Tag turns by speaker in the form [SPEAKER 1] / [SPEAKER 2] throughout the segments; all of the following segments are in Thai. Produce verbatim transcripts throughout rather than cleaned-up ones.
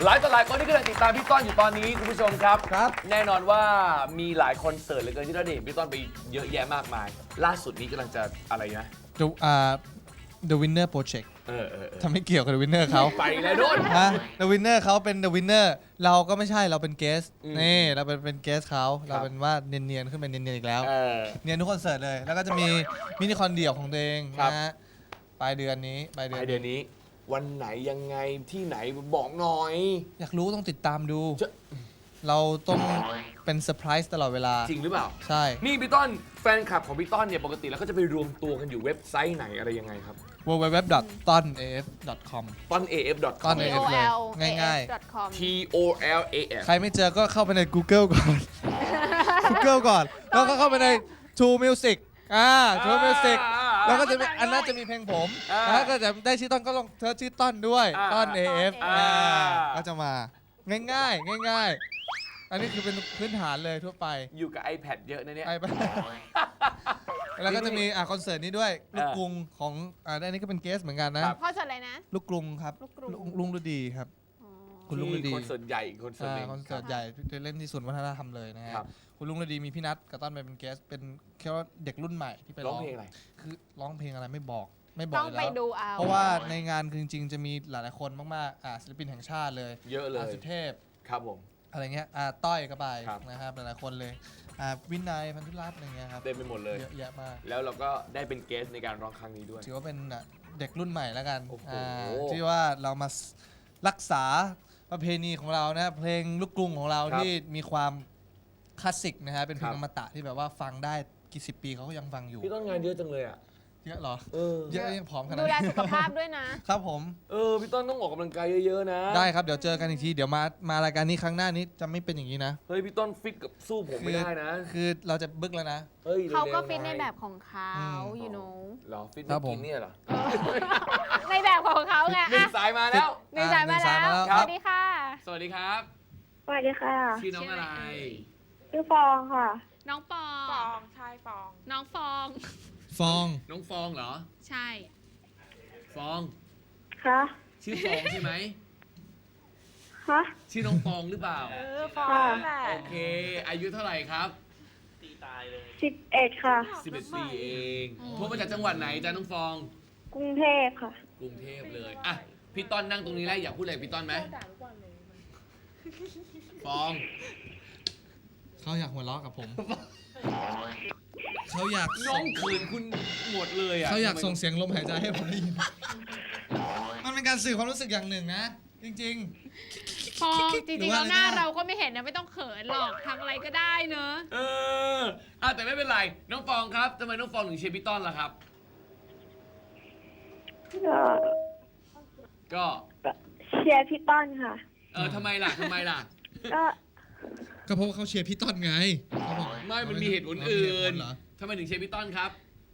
[SPEAKER 1] หลายต่อหลายคนที่กำลังติดตามพี่ต้นอยู่ตอนนี้คุณผู้ชมครับ
[SPEAKER 2] ครับ
[SPEAKER 1] แน่นอนว่ามีหลายคอนเสิร์ตเหลือเกินที่เราได้เห็นพี่ต้นไปเยอะแยะมากมาย ล่าสุดนี้กำลังจะอะไรนะ
[SPEAKER 2] The อ่า The Winner Project
[SPEAKER 1] เออเออเออ
[SPEAKER 2] ทำให้เกี่ยวกับ The Winner เขา
[SPEAKER 1] ไปแล้วโดน
[SPEAKER 2] ฮะ The Winner เขาเป็น The Winner เราก็ไม่ใช่เราเป็นเกส
[SPEAKER 1] อืม
[SPEAKER 2] นี่เราเป็นเป็นเกสเขา
[SPEAKER 1] ครั
[SPEAKER 2] เรา
[SPEAKER 1] บ
[SPEAKER 2] เป็นว่าเนียนๆขึ้นไปเนียนๆอีกแล้ว
[SPEAKER 1] เออ
[SPEAKER 2] เนียนทุกคอนเสิร์ตเลย แล้วก็จะมีมินิคอนเดี่ยวของตัวเอง
[SPEAKER 1] ครับ
[SPEAKER 2] นะฮะปลายเดือนนี้ปลาย
[SPEAKER 1] ไป
[SPEAKER 2] เดือน
[SPEAKER 1] เดือนนี้ วันไหนยังไงที่ไหนบอกหน่อย
[SPEAKER 2] อยากรู้ต้องติดตามดู
[SPEAKER 1] จะ
[SPEAKER 2] เราต้องเป็นเซอร์ไพรส์ตลอดเวลา
[SPEAKER 1] จริงหรือเปล่า
[SPEAKER 2] ใช่
[SPEAKER 1] นี่พี่ต้นแฟนคลับของพี่ต้นเนี่ยปกติแล้วก็จะไปรวมตัวกันอยู่เว็บไซต์ไหนอะไรยังไงครับ
[SPEAKER 2] ดับเบิลยู ดับเบิลยู ดับเบิลยู ดอท ต้น เอ เอฟ ดอท คอม
[SPEAKER 1] ต้น เอ เอฟ ดอท ค
[SPEAKER 2] ต้
[SPEAKER 1] อม
[SPEAKER 2] น
[SPEAKER 3] T
[SPEAKER 2] เอ
[SPEAKER 3] O L
[SPEAKER 2] ง่าย
[SPEAKER 3] A F .com
[SPEAKER 1] T O L A F
[SPEAKER 2] ใครไม่เจอก็เข้าไปใน Google ก่อน Google ก่อน แล้วก็เข้าไปใน True Music อ่า True Music แล้วก็จะมีอันนั้นจะมีเพลงผม
[SPEAKER 1] อ่า
[SPEAKER 2] แล้วก็จะได้ชื่อต้นก็ลงเธอชื่อต้นด้วย
[SPEAKER 1] อ่า
[SPEAKER 2] ต้น เอ เอฟ
[SPEAKER 1] อ่า
[SPEAKER 2] ก็จะมาง่ายๆ ง่ายๆ อันนี้คือเป็นพื้นฐานเลยทั่วไป
[SPEAKER 1] อยู่กับ iPad เยอะนะเนี่ย
[SPEAKER 2] ไอ้บ้าแล้วก็จะมีอ่ะคอนเสิร์ตนี้ด้วย
[SPEAKER 1] เออ
[SPEAKER 2] ลูกกรุงของอ่าอันนี้ก็เป็นเกสเหมือนกันนะ
[SPEAKER 1] ครับ
[SPEAKER 3] พ่อจะอะไรนะ
[SPEAKER 2] ลูกกรุงครับ
[SPEAKER 3] ลูกกรุง
[SPEAKER 2] ลุงฤดีครับ
[SPEAKER 3] อ๋อ
[SPEAKER 2] คุณลุงฤดี
[SPEAKER 1] คอนเสิร์ตใหญ่อีกคอนเสิร์ต
[SPEAKER 2] อ่า
[SPEAKER 1] หนึ่ง
[SPEAKER 2] คอนเสิร์ตใหญ่จะเล่นที่ศูนย์วัฒนธรรมเลยนะฮะ
[SPEAKER 1] ครับ
[SPEAKER 2] คุณลุงฤดีมีพี่นัทกับต้นไปเป็นเกสเป็นแค่ว่าเด็กรุ่นใหม่ที่ไป
[SPEAKER 1] ร้
[SPEAKER 2] ร้
[SPEAKER 1] อ
[SPEAKER 2] อง ง
[SPEAKER 1] เพลงอะไร
[SPEAKER 2] คือร้องเพลงอะไรไม่บอกไม่บอ
[SPEAKER 3] ต้
[SPEAKER 2] ก
[SPEAKER 3] อง
[SPEAKER 2] อยู่
[SPEAKER 3] ไป
[SPEAKER 2] แล้ว
[SPEAKER 3] ดูเอา
[SPEAKER 2] เพราะว่าในงานคือจริงๆจะมีหลายๆคนมากๆอ่าศิลปินแห่งชาติเลย
[SPEAKER 1] เยอะเล
[SPEAKER 2] อ่าย สุเทพ
[SPEAKER 1] ครับผม
[SPEAKER 2] อะไรเงี้ยอ่าต้อยก็ไป
[SPEAKER 1] ครับ
[SPEAKER 2] นะครับหลายๆคนเลยอ่าวินัยพันธุรัตน์อะไรเงี้ยครับ
[SPEAKER 1] เต็มไปหมดเลย
[SPEAKER 2] เยอะแยะมาก
[SPEAKER 1] แล้วเราก็ได้เป็นเกสในการร้องครั้งนี้ด้วย
[SPEAKER 2] ถือว่าเป็นอ่ะเด็กรุ่นใหม่แล้วกัน
[SPEAKER 1] โอ้โห
[SPEAKER 2] อ่าที่ว่าเรามารักษาประเพณีของเรานะเพลงลูกกรุงของเราที่มีความคลาสสิกนะฮะเป็นเพลงอมตะที่แบบว่าฟังได้กี่สิบปีเขาก็ยังฟังอยู่
[SPEAKER 1] พี่ต้นงานเยอะจังเลยอ่ะ
[SPEAKER 2] เยอะเหรอ
[SPEAKER 1] เออ
[SPEAKER 2] เยอะยังผอมขนาด
[SPEAKER 3] ดูแล
[SPEAKER 2] นี้
[SPEAKER 3] สุขภาพด้วยนะ
[SPEAKER 2] ครับผม
[SPEAKER 1] เออ พี่ต้นต้องออกกำลังกายเยอะๆนะ
[SPEAKER 2] ได้ครับเดี๋ยวเจอกันอีกทีเดี๋ยวมามารายการนี้ครั้งหน้านี้จะไม่เป็นอย่างนี้นะ
[SPEAKER 1] เฮ้ย พี่ต้นฟิตกับสู้ผมไม่ได้นะ
[SPEAKER 2] คือเราจะบึกแล้วนะ
[SPEAKER 1] เฮ้ย
[SPEAKER 3] เขาก็
[SPEAKER 1] ร็วๆ
[SPEAKER 3] ฟิตใน
[SPEAKER 1] หอย
[SPEAKER 3] แบบของเขา
[SPEAKER 2] อืม
[SPEAKER 3] you know
[SPEAKER 1] เหรอ ฟิต
[SPEAKER 2] ครั
[SPEAKER 1] ไม่
[SPEAKER 2] บผม
[SPEAKER 1] กินเนี่ยเหรอ
[SPEAKER 3] ในแบบของเขาไง
[SPEAKER 1] หนึ่ง
[SPEAKER 3] อ่ะ
[SPEAKER 1] สายมาแล้ว
[SPEAKER 3] หนึ่งสายมาแล้ว
[SPEAKER 2] อ่ะหนึ่งสายมาแล้ว
[SPEAKER 3] สวัสดีค่ะ
[SPEAKER 1] สวัสดีครับ
[SPEAKER 4] สวัสดีค่ะ
[SPEAKER 1] ชื่อน้องอะไร
[SPEAKER 4] ชื่อฟองค่ะ
[SPEAKER 3] น้องปอ
[SPEAKER 5] ฟองใช่ฟอง
[SPEAKER 3] น้องฟอง
[SPEAKER 2] ฟอง
[SPEAKER 1] น้องฟองเหรอ
[SPEAKER 3] ใช่
[SPEAKER 1] ฟอง
[SPEAKER 4] คะ
[SPEAKER 1] ชื่อฟองใช่ไหม
[SPEAKER 4] คะ
[SPEAKER 1] ชื่อน้องฟองหรือเปล่า
[SPEAKER 5] เออฟองนั่นแหละ
[SPEAKER 1] โอเค อายุเท่าไหร่ครับ
[SPEAKER 4] สิบเอ็ดค่ะ
[SPEAKER 1] สิบเอ็ดปีเองโทรมาจากจังหวัดไหนจ้าน้องฟอง
[SPEAKER 4] กรุงเทพค่ะ
[SPEAKER 1] กรุงเทพเลย อ่ะ พี่ต้นนั่งตรงนี้แล้วอยากพูดอะไรกับพี่ต้นไหมฟอง
[SPEAKER 2] เขาอยากหัวเราะกับผม เขาอยาก
[SPEAKER 1] น้องขืนคุณหมดเลยอ่ะ
[SPEAKER 2] เขาอยากส่งเสียงลมหายใจให้ผมได้ยิน มันเป็นการสื่อความรู้สึกอย่างหนึ่งนะ จริง
[SPEAKER 3] ฟองจ
[SPEAKER 2] หรื
[SPEAKER 3] ริ
[SPEAKER 2] อง
[SPEAKER 3] ๆ
[SPEAKER 2] ว่า
[SPEAKER 3] แล้วหน้า
[SPEAKER 2] อะไรนะ
[SPEAKER 3] เราก็ไม่เห็นนะไม่ต้องเขินหรอกทำอะไรก็ได้เนอะ
[SPEAKER 1] เอออ่ะแต่ไม่เป็นไร น้องฟองครับทำไมน้องฟองถึงเชียร์พี่ต้นล่ะครับ
[SPEAKER 4] ก็
[SPEAKER 1] ก็
[SPEAKER 4] เชียร์พี่ต้นค่ะ
[SPEAKER 1] เออทำไมล่ะทำไมล่ะ
[SPEAKER 4] ก็
[SPEAKER 2] ๆ ก็เพราะว่าเขาเชียร์พี่ต้นไงเขาบอก
[SPEAKER 1] ไม่ มันมีเหตุผลอื่น
[SPEAKER 2] เหรอ
[SPEAKER 1] ทำไมถึงเชียร์พี่ต้นครับ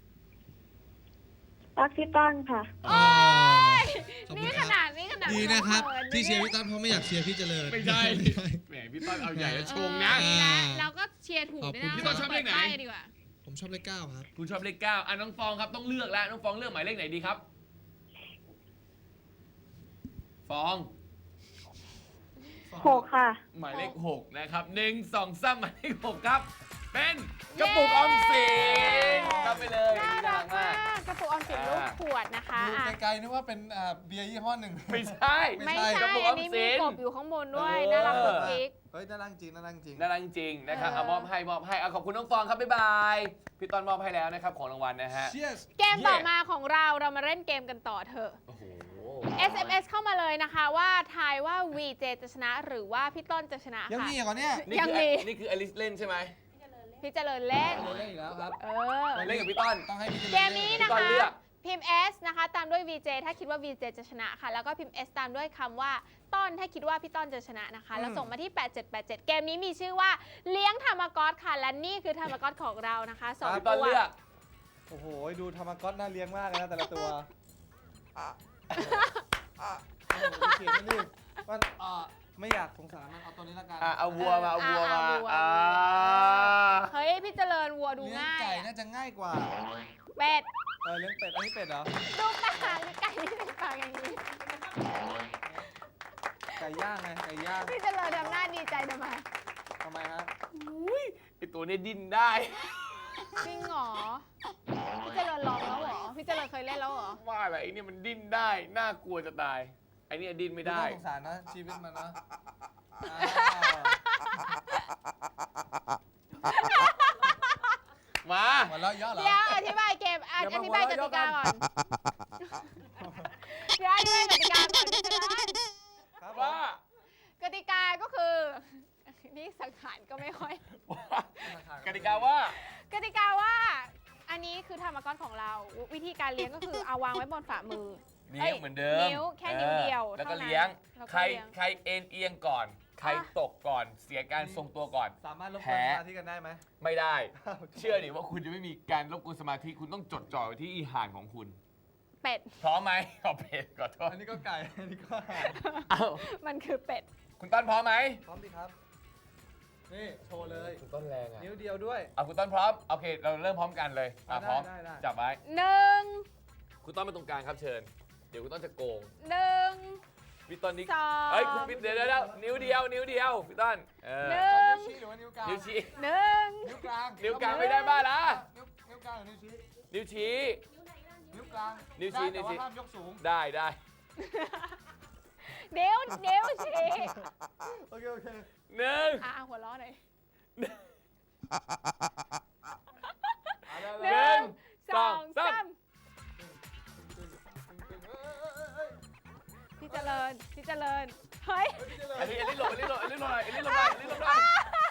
[SPEAKER 4] รักพี่ต้นค่ะ
[SPEAKER 3] โอ้ย
[SPEAKER 2] ขอบคุณ
[SPEAKER 3] นี่
[SPEAKER 2] ค
[SPEAKER 3] ข
[SPEAKER 2] รับ
[SPEAKER 3] นาดนี้ขนาด
[SPEAKER 2] ดีนะครับ
[SPEAKER 3] ขิ
[SPEAKER 2] ที่เชียร์
[SPEAKER 3] นี่
[SPEAKER 2] พี่ต้นเพราะไม่อยากเชียร์พี่เจริญ
[SPEAKER 1] ไม่ใช่ แหมพี่ต้นเอาใหญ่แล้วชงนะ
[SPEAKER 3] เออนะเราก็เชียร์ถูกด้วย
[SPEAKER 2] ขอบคุณ
[SPEAKER 3] นะ
[SPEAKER 2] พี่ต้นชอบเลขไหน
[SPEAKER 3] ปิดป้ายดีกว่า
[SPEAKER 2] ผมชอบเลขเก้าครับ
[SPEAKER 1] คุณชอบเลขเก้าอ่ะน้องฟองครับต้องเลือกแล้ว น้องฟองเลือกหมายเลขไหนดีครับ ฟอง
[SPEAKER 4] หกค่ะ
[SPEAKER 1] หมายเลขหกนะครับหนึ่งสองสามหมายเลขหกครับ เป็นกระปุกออมสินรับไปเลย
[SPEAKER 3] น่า
[SPEAKER 1] อันนี้
[SPEAKER 3] รักมากกระปุกออมสินลูก
[SPEAKER 1] อ่า
[SPEAKER 3] ขวดนะคะ
[SPEAKER 2] ดู
[SPEAKER 3] อ่ะ
[SPEAKER 2] ไกลๆนึกว่าเป็นอ่าเบียร์ยี่ห้อหนึ่ง
[SPEAKER 1] ไม่ใช่
[SPEAKER 3] ไม่
[SPEAKER 2] ใช่
[SPEAKER 3] ใช่
[SPEAKER 1] กระปุกอ
[SPEAKER 3] อั
[SPEAKER 1] อน ม
[SPEAKER 3] นี้
[SPEAKER 1] สิ
[SPEAKER 3] มี
[SPEAKER 1] น
[SPEAKER 3] กบอยู่ข้างบนด้วย
[SPEAKER 1] เออ
[SPEAKER 3] น่ารักกุ๊กกิ๊ก
[SPEAKER 2] เฮ้ยน่ารักจริงน่ารักจริง
[SPEAKER 1] น่ารักจริงๆนะครับ
[SPEAKER 3] เออ
[SPEAKER 1] เอามอบให้มอบให้เอาขอบคุณน้องฟองครับบ๊ายบายพี่ต้นมอบให้แล้วนะครับของรางวัลนะฮะ
[SPEAKER 2] Cheers
[SPEAKER 3] เกมต่อมาของเราเรามาเล่นเกมกันต่อเถอะ
[SPEAKER 1] โอ้โห
[SPEAKER 3] เอส เอ็ม เอส เข้ามาเลยนะคะว่าทายว่า วี เจ จะชนะหรือว่าพี่ต้นจะชนะ
[SPEAKER 2] ยัง
[SPEAKER 3] ค่ะ
[SPEAKER 2] มีอีกเหรอเนี่ย
[SPEAKER 1] นี่
[SPEAKER 3] ยัง
[SPEAKER 1] คือ
[SPEAKER 3] มี
[SPEAKER 1] นี่คืออลิสเล่นใช่ไหม
[SPEAKER 3] พี่เจริญเล่น
[SPEAKER 2] เล่นอีกแล้วครับ
[SPEAKER 3] เออ
[SPEAKER 1] เล่นกับพี่ต้น
[SPEAKER 2] ต้องให้พี่เจริญ
[SPEAKER 3] เกมนี้นะ
[SPEAKER 1] พี่ต้น
[SPEAKER 3] คะ
[SPEAKER 1] เลือก
[SPEAKER 3] พิมพ์ S นะคะตามด้วย วี เจ ถ้าคิดว่า วี เจ จะชนะค่ะ แล้วก็พิมพ์ S ตามด้วยคำว่าต้นถ้าคิดว่าพี่ต้นจะชนะนะคะ แล้วส่งมาที่ แปดเจ็ดแปดเจ็ด เกมนี้มีชื่อว่าเลี้ยงธรรมก๊อตค่ะ และนี่คือธรรมก๊อตของเรานะคะสอง
[SPEAKER 1] พี่ต้น
[SPEAKER 3] ตัว
[SPEAKER 1] เลือก
[SPEAKER 2] โอ้โห ดูธรรมก๊อตน่าเลี้ยงมากเลยนะแต่ละตัวอ่ะอ่ะโอ้โหเขียนมันดิมันอ่ะไม่อยากสงสารมันเอาตัวนี้ละกัน
[SPEAKER 1] อ่ะเอาวัวมาเอาวัวมา
[SPEAKER 3] อ่ะเอาวัว
[SPEAKER 1] อ่า
[SPEAKER 3] เฮ้ยพี่เจริญวัวดู
[SPEAKER 2] เลี้ยง
[SPEAKER 3] ง่าย
[SPEAKER 2] ไก่
[SPEAKER 3] อะ
[SPEAKER 2] น่าจะง่ายกว่า
[SPEAKER 3] เป็ด
[SPEAKER 2] เออเลี้ยงเป็ด อันนี้เป็ดเหรอ
[SPEAKER 3] ดูปากไก่ที่เป็นปากอย่างนี้
[SPEAKER 2] ไก่ก่ย่างไงไก่ย่าง
[SPEAKER 3] พี่เจริญทำหน้าดีใจทำไม
[SPEAKER 2] ทำไมฮะ
[SPEAKER 1] อุ้ยไอตัวนี้ดิ้นได้
[SPEAKER 3] จริงเหรอ พี่เจริญลองแล้วเหรอ พี่เจริญเคยเล่นแล้วเหรอ
[SPEAKER 1] ว่าอะไรไอ้เนี่ยมันดิ้นได้ น่ากลัวจะตาย ไอ้เนี่ยดิ้นไม่ได้
[SPEAKER 2] น่าสงสารนะชีวิตมันนะอ้าว
[SPEAKER 1] มา
[SPEAKER 2] หัวเราะเยอะเหรอ
[SPEAKER 3] เดี๋ยวอธิบายเกมอ่ะ
[SPEAKER 2] เดี๋ยว
[SPEAKER 3] อ
[SPEAKER 2] มา
[SPEAKER 3] ธิบายก
[SPEAKER 2] หัวเราะ
[SPEAKER 3] ติกาก่อน เดี๋ยวอธิบายกติกาก่อนพี่เจริญ
[SPEAKER 2] ครับ
[SPEAKER 1] ว่า
[SPEAKER 3] กติกาก็คือ นี่สังขารก็ไม่ค่อย
[SPEAKER 1] กติกาว่า
[SPEAKER 3] กติกาว่า อันนี้คือธรรมกรของเรา วิธีการเลี้ยงก็คือเอาวางไว้บนฝ่ามือ
[SPEAKER 1] เลี้ยงเหมือนเดิม
[SPEAKER 3] นิ้วแค่นิ้วเดียว
[SPEAKER 1] ออแล้วก็
[SPEAKER 3] เท่านั้น
[SPEAKER 1] เลี้ยง
[SPEAKER 3] แล้วก็
[SPEAKER 1] ใคร
[SPEAKER 3] เลี้ยง
[SPEAKER 1] ใครเอ็นเอียงก่อน ใคร
[SPEAKER 3] อ่ะ
[SPEAKER 1] ตกก่อน เสียการทรงตัวก่อน
[SPEAKER 2] สามารถลบ
[SPEAKER 1] แพ้
[SPEAKER 2] กวนสมาธิกันได้ไหม
[SPEAKER 1] ไม่ได้ เชื่อดิว่าคุณจะไม่มีการรบกวนสมาธิ คุณต้องจดจ่อไว้ที่อีหานของคุณ
[SPEAKER 3] เป็ด
[SPEAKER 1] พร้อมไหมเอาเป็ดขอโทษ
[SPEAKER 2] อันนี้ก็ไก่ อันนี้ก็ห่าน
[SPEAKER 1] เอ้า
[SPEAKER 3] มันคือเป็ด
[SPEAKER 1] คุณต้นพร้อมไหม
[SPEAKER 2] พร้อมดีครับ นี่โชว์เลย
[SPEAKER 1] คุณต้นแรงอ่ะ
[SPEAKER 2] นิ้วเดียวด้วย
[SPEAKER 1] เอาคุณต้นพร้อม โอเค เราเริ่มพร้อมกันเลยอ่ะ
[SPEAKER 2] ได้
[SPEAKER 1] พร้อม
[SPEAKER 2] ได้ได้
[SPEAKER 1] จับไว้
[SPEAKER 3] หนึ่ง
[SPEAKER 1] คุณต้นมาตรงกลางครับเชิญ เดี๋ยวคุณต้นจะโกง
[SPEAKER 3] หนึ่ง
[SPEAKER 1] พี่ต้นนี่
[SPEAKER 3] สอง
[SPEAKER 1] เอ้ยคุณพี่เดี๋ยวเดี๋ยวเดี๋ยวนิ้วเดียว นิ้วเดียว พี่ต้นเออ
[SPEAKER 3] หนึ่
[SPEAKER 2] นิ้
[SPEAKER 3] ง
[SPEAKER 2] วชี้หรือว่านิ้วกลาง
[SPEAKER 1] นิ้วชี้
[SPEAKER 3] หนึ่ง
[SPEAKER 2] นิ้วกลาง
[SPEAKER 1] นิ้วกลางไม่ได้บ้าละ
[SPEAKER 2] นิ้วนิ้วกลางหรือนิ้วชี้
[SPEAKER 1] นิ้วชี้
[SPEAKER 2] นิ้วกลาง
[SPEAKER 1] นิ้วชี้
[SPEAKER 2] ได้แต่
[SPEAKER 1] นิ้วชี้
[SPEAKER 2] ว่าห้ามยกสูง
[SPEAKER 1] ได้ได้
[SPEAKER 3] เดี๋ยวเดี๋ยวชี้
[SPEAKER 2] โอเค โอเค
[SPEAKER 1] หนึ่ง
[SPEAKER 3] อ่ะหัวเราะหน่อย
[SPEAKER 2] เอาได้
[SPEAKER 3] ห
[SPEAKER 2] เลย
[SPEAKER 3] นึ่ง
[SPEAKER 1] ส
[SPEAKER 3] ส
[SPEAKER 1] อ
[SPEAKER 3] อง ง
[SPEAKER 1] สา
[SPEAKER 3] สาม มพี่เจริญ พี่เจริญ เฮ้ย
[SPEAKER 1] อันนี้อันนี้หลบอันนี้หลบอันนี้หลบหน่อยอันนี้หลบหน่อยอันนี้หลบหน่อย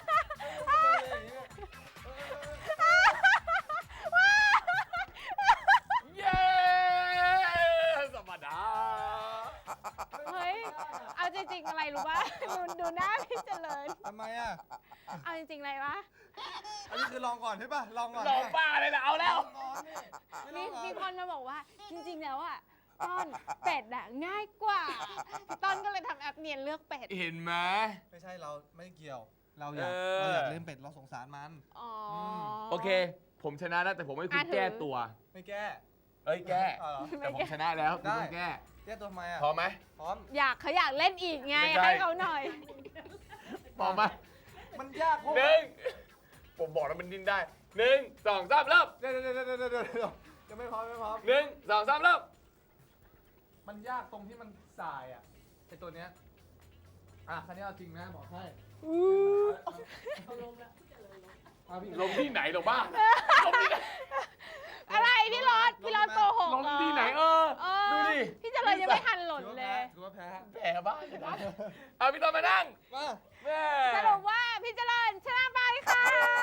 [SPEAKER 1] เย้สมดา
[SPEAKER 3] เฮ้ย เอาจริงๆอะไรรู้ป่ะ ดูดูหน้าพี่เจริญ
[SPEAKER 2] ทำไมอ่ะ
[SPEAKER 3] เอาจริงๆอะไรวะ
[SPEAKER 2] อันนี้คือลองก่อนใช่ป่ะ ลองก่อน
[SPEAKER 1] หลบป้าเลยนะเอาแล้ว
[SPEAKER 2] ลองก่อนนี่ไม่ล
[SPEAKER 3] มี
[SPEAKER 2] องก่อน
[SPEAKER 3] มีคนมาบอกว่า จริงๆแล้วอ่ะต้นเป็ดอะง่ายกว่าพี่ต้นก็เลยทำแอปเนียนเลือกเป็ด
[SPEAKER 1] เห็นไหม
[SPEAKER 2] ไม่ใช่เราไม่เกี่ยว เราอยาก
[SPEAKER 1] เออ
[SPEAKER 2] เราอยากเล่นเป็ดเราสงสารมัน
[SPEAKER 3] อ๋อ
[SPEAKER 1] โอเค ผมชนะแล้วแต่ผมให้คุณ
[SPEAKER 3] อ่ะถือ
[SPEAKER 1] แก้ตัว
[SPEAKER 2] ไม่แก้
[SPEAKER 1] เอ้ยแก้
[SPEAKER 2] เอาเหรอ
[SPEAKER 1] แต่ผมชนะแล้วคุณ
[SPEAKER 2] ได้
[SPEAKER 1] ต้องแก้
[SPEAKER 2] แก้ตัวทำไมอ่ะ
[SPEAKER 1] พร้อมไหม
[SPEAKER 2] พร้อม
[SPEAKER 3] อยากเขาอยากเล่นอีกไง
[SPEAKER 1] ไม่ใช่
[SPEAKER 3] ให้เขาหน่อย
[SPEAKER 1] พร้อมไหม
[SPEAKER 2] มันยากเพราะ
[SPEAKER 1] หนึ่งผมบอกแล้วมันดิ้นได้หนึ่งสองสามเริ่ม
[SPEAKER 2] เดี๋ยวเดี๋ยวเดี๋ยวเดี๋ยวเดี๋ยวเดี๋ยวยังไม่พร้อมยังไม่พร้อม
[SPEAKER 1] หนึ่งสองสามเริ่ม
[SPEAKER 2] มันยากตรงที่มันสายอ่ะไอตัวเนี้ยอ่ะคันนี้เอาจริงนะบอกให้เอาลงแล้วเอาพี่
[SPEAKER 1] ลงที่ไหนหรอบ้าลงที่ไหน
[SPEAKER 3] อะไรพี่รถพี่รถโกหก
[SPEAKER 1] ลง
[SPEAKER 3] เหรอ
[SPEAKER 1] ที่ไหนเออ
[SPEAKER 3] เอ
[SPEAKER 1] ดู
[SPEAKER 3] อ
[SPEAKER 1] ดิ
[SPEAKER 3] พี่เจริญยังไม่ทันหล่น
[SPEAKER 2] ถือว่า
[SPEAKER 3] เล
[SPEAKER 2] แพ้
[SPEAKER 3] ย
[SPEAKER 2] ถือว่าแพ้
[SPEAKER 1] แผลบ้าเลยนะเอาพี่ต้นมานั่ง
[SPEAKER 2] มา
[SPEAKER 1] แม่
[SPEAKER 3] สรุปว่าพี่เจริญชนะไปค่ะ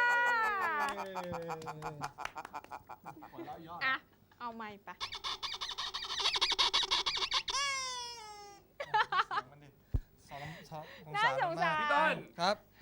[SPEAKER 2] หัวเราะยอด
[SPEAKER 3] อ่ะ เอาไม้ปะ
[SPEAKER 2] มันดิสองสอง
[SPEAKER 3] น่าสงสาร
[SPEAKER 1] พี่ต้น
[SPEAKER 2] ครับ